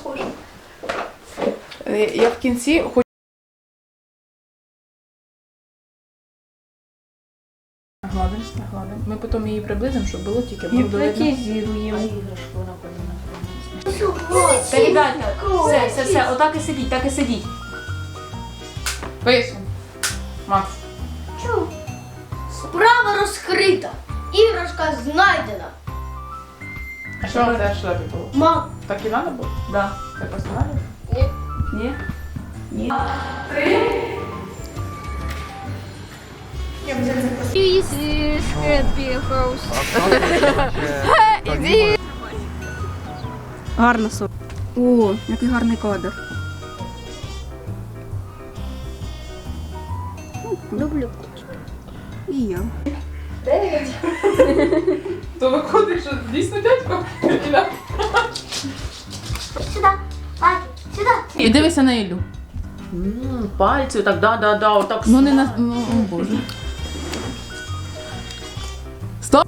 схоже. Я в кінці хочу... Нагладим. Ми потім її приблизимо, щоб було тільки видно. Гіпнотизируємо. Та, ребята, все, отак і сидіть, так і сидіть. Пишемо. Макс. Чу? Справа розкрита. Іграшка знайдена. А що вам це шлепі було? Мам. Так і треба було? Да. Це просто надо? Ні. Ні? Ні. Гарно сон. О, який гарний кадр. Люблю. І я. То виходить, що дійсно дядько? Сюди. Паті, сюди. І дивися на Іллю. Пальці, так, да, отак. Ну не на... Ну, о боже. Стоп!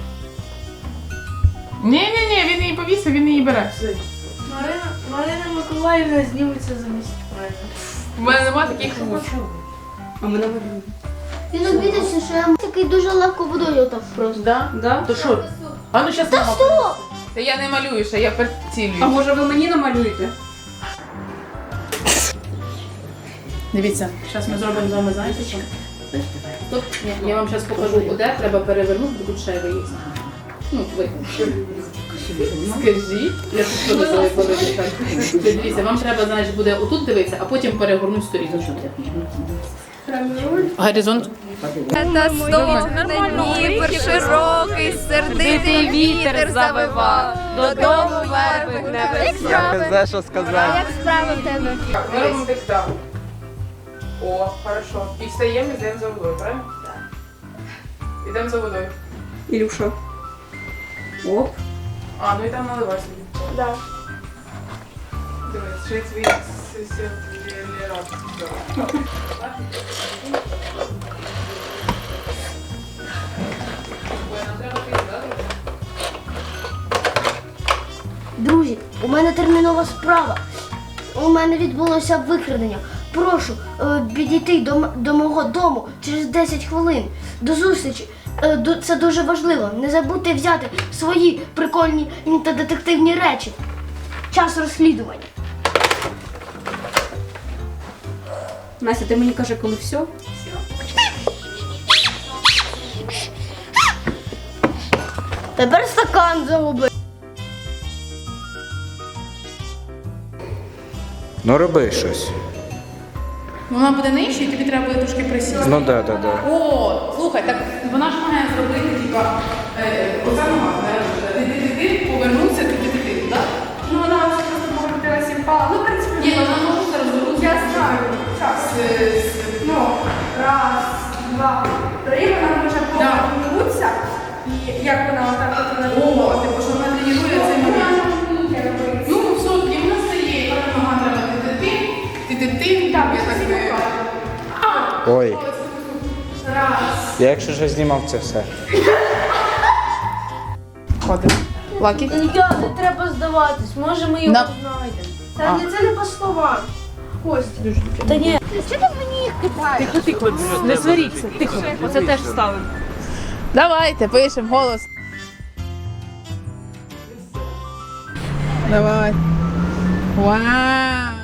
Ні, він її повісив, він її бере. Марина Миколаївна зніметься замість мене. У мене нема таких вуз. А мене видно. Він обідався, що я такий дуже легко водою отак просто. Да? Да? То що? А ну щас мама. Що? Та я не малюю, ще я прицілюю. А може ви мені намалюєте? Дивіться, зараз ми зробимо з вами, знаєте що? Тут, ні, я вам зараз покажу, де треба перевернути, бо тут шайба є. Ну, ви. Скажіть, я тут подивилася, коли дівчатка. Дивіться, вам треба, значить, буде отут дивитися, а потім перегорнути сторінку. Горизонт. Та Дніпр широкий, сердитий вітер завивав, додому верби не весна. Не знаю, що сказати. Як справи в тебе? Ми робимо диктант. О, хорошо. І встаємо, і йдемо за водою, правильно? Так. Йдемо за водою. Ілюша. Оп. А, ну і там наливай собі. Да. Дивись, ще твій сусід Лєрат. Друзі, у мене термінова справа. У мене відбулося викрадення. Прошу підійти до мого дому через 10 хвилин. До зустрічі. Це дуже важливо. Не забудьте взяти свої прикольні та детективні речі. Час розслідування. Настя, ти мені каже, коли все? Тепер стакан загубив. Ну роби щось. Вона буде нижче, і тобі треба буде трошки присісти. Ну да. О, слухай, так вона ж має зробити, типа, оця нога, ти повернувся, ти, так? Ну, вона ось просто покрутилася і впала. Ну, в принципі, Ні, вона може зараз зробити. я знаю. Час. Ну, раз, два, три, вона може повернутися. І як вона отак от вона... О, типу, що вона тренує цей момент. Ну, все, і вона стає, і вона нога треба ти, Так, я так не... Ой. Раз. Я якщо вже знімав це все. Ходимо. Лакі? Я, не треба здаватись, може ми його На- знайдемо. А. Та ні, це не по словам. Костя. Та ні. Що ти мені їх кидаєш? Тихо, не сваріться, тихо. Оце теж ставимо. Давайте, пишемо голос. Давай. Вау!